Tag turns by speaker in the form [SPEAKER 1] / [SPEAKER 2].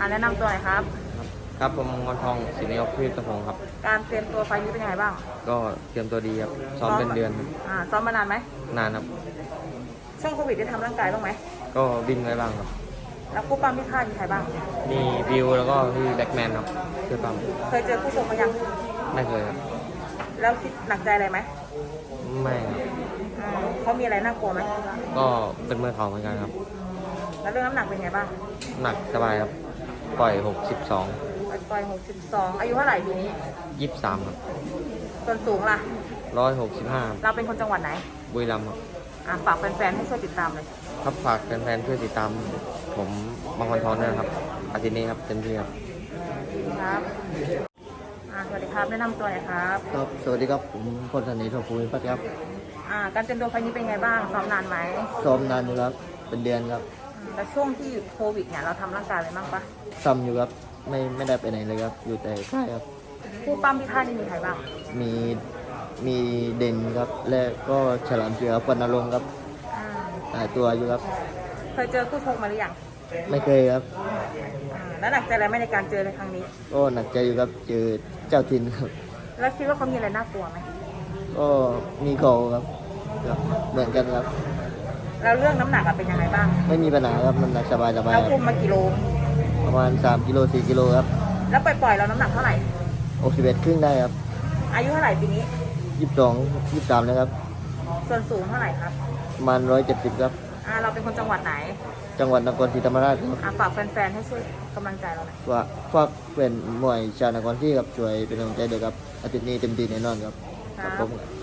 [SPEAKER 1] แนะนำตัวหน่อยครับ
[SPEAKER 2] ครับผมมงคลทองศิริยกพืชตะพงครับ
[SPEAKER 1] การเตรียมตัวไฟล์นี้เป็นยังไงบ้าง
[SPEAKER 2] ก็เตรียมตัวดีครับซ้อมเป็นเดือนครับ
[SPEAKER 1] ซ้อมมานานไหม
[SPEAKER 2] นานครับ
[SPEAKER 1] ช่วงโควิดได้ทำร่างกายบ้างไหม
[SPEAKER 2] ก็วิ่งไว้บ้างครับ
[SPEAKER 1] แล้วคู่ปั้มที่ค่ายมีใครบ้าง
[SPEAKER 2] มีวิวแล้วก็พี่แบ็กแมนครับคือปั๊ม
[SPEAKER 1] เคยเจอคู่ชกมายัง
[SPEAKER 2] ไม่เคยครับ
[SPEAKER 1] แล้วคิดหนักใจอะไรไหม
[SPEAKER 2] ไม่ครับ
[SPEAKER 1] เขามีอะไรน่ากลัวไหม
[SPEAKER 2] ก็เป็นมือเขาเหมือนกันครับ
[SPEAKER 1] แล้วเรื่องน้ำหนักเป็นไงบ้าง
[SPEAKER 2] หนักสบายครับปล่อย
[SPEAKER 1] ปล่อย62อายุเท่าไหร่ปีนี้
[SPEAKER 2] 23ครับ
[SPEAKER 1] ส่วนสูงล่ะ
[SPEAKER 2] 165
[SPEAKER 1] เราเป็นคนจังหวัดไหน
[SPEAKER 2] บุรีรัมย์ครับ
[SPEAKER 1] ฝากแฟนๆให้ช่วยติดตามเลย
[SPEAKER 2] ครับฝากแฟนๆช่วยติดตามผมมงคลทองด้วยนะครับอาทิตย์นี้ครับเต็มที่ครับ
[SPEAKER 1] สวัสดีครับแนะนำตัวหน่อยครับ
[SPEAKER 2] ครับสวัสดีครับผมพลธนีทองภูมิพัฒน์ครับ
[SPEAKER 1] การเตรียมตัวไฟล์นี้เป็นไงบ้างซ้อมนานไหม
[SPEAKER 2] ซ้อมนานอยู่ครับเป็นเดือนครับ
[SPEAKER 1] แต่ช่วงที่หยุดโควิดเนี่ยเราทำร่างกายอะไรบ้างปะ
[SPEAKER 2] ซ้ำอยู่ครับไม่ได้ไปไหนเลยครับอยู่แต่ค่ายครับ
[SPEAKER 1] คู่ปั้มที่ค่ายนี่มีใครบ้าง
[SPEAKER 2] มีเด่นครับและก็ฉลามเสือฟันนรงค์ครับตัวอยู่ครับ
[SPEAKER 1] เคยเจอคู่ชกมาหรือยัง
[SPEAKER 2] ไม่เคยครับ
[SPEAKER 1] แล้วหนักใจอะไรไหมในการเจอในครั้งนี้
[SPEAKER 2] ก็หนักใจอยู่ครับเจอเจ้าถิ่นครับ
[SPEAKER 1] แล้วคิดว่าเขามีอะไรน่ากลัวไหม
[SPEAKER 2] ก็มีเขาครับเหมือนกันครับ
[SPEAKER 1] แล้วเรื่องน้ำหนักเป็นยังไงบ้าง
[SPEAKER 2] ไม่มีปัญหาครับน้ำหนักสบาย
[SPEAKER 1] เราคุมมากี่โล
[SPEAKER 2] ประมาณ3กิโล4กิโลครับ
[SPEAKER 1] แล้วปล่อยเราน้ำหนักเท่าไหร่
[SPEAKER 2] 61ครึ่งได้ครับ
[SPEAKER 1] อายุเท่าไหร่ปีนี้
[SPEAKER 2] 22 23นะครับ
[SPEAKER 1] ส่วนสูงเท่าไหร่ครับ
[SPEAKER 2] ประมาณ170ครับ
[SPEAKER 1] เราเป็นคนจังหวัดไหน
[SPEAKER 2] จังหวัดนครศรีธรรมราชครับ
[SPEAKER 1] ฝากแฟนๆให้ช่วยกำลังใจเราหน่อย
[SPEAKER 2] ฝากเป็นมวยชาวนครศรีครับช่วยเป็นกำลังใจด้วยครับอาทิตย์นี้เต็มที่แน่นอนครับ
[SPEAKER 1] ครับ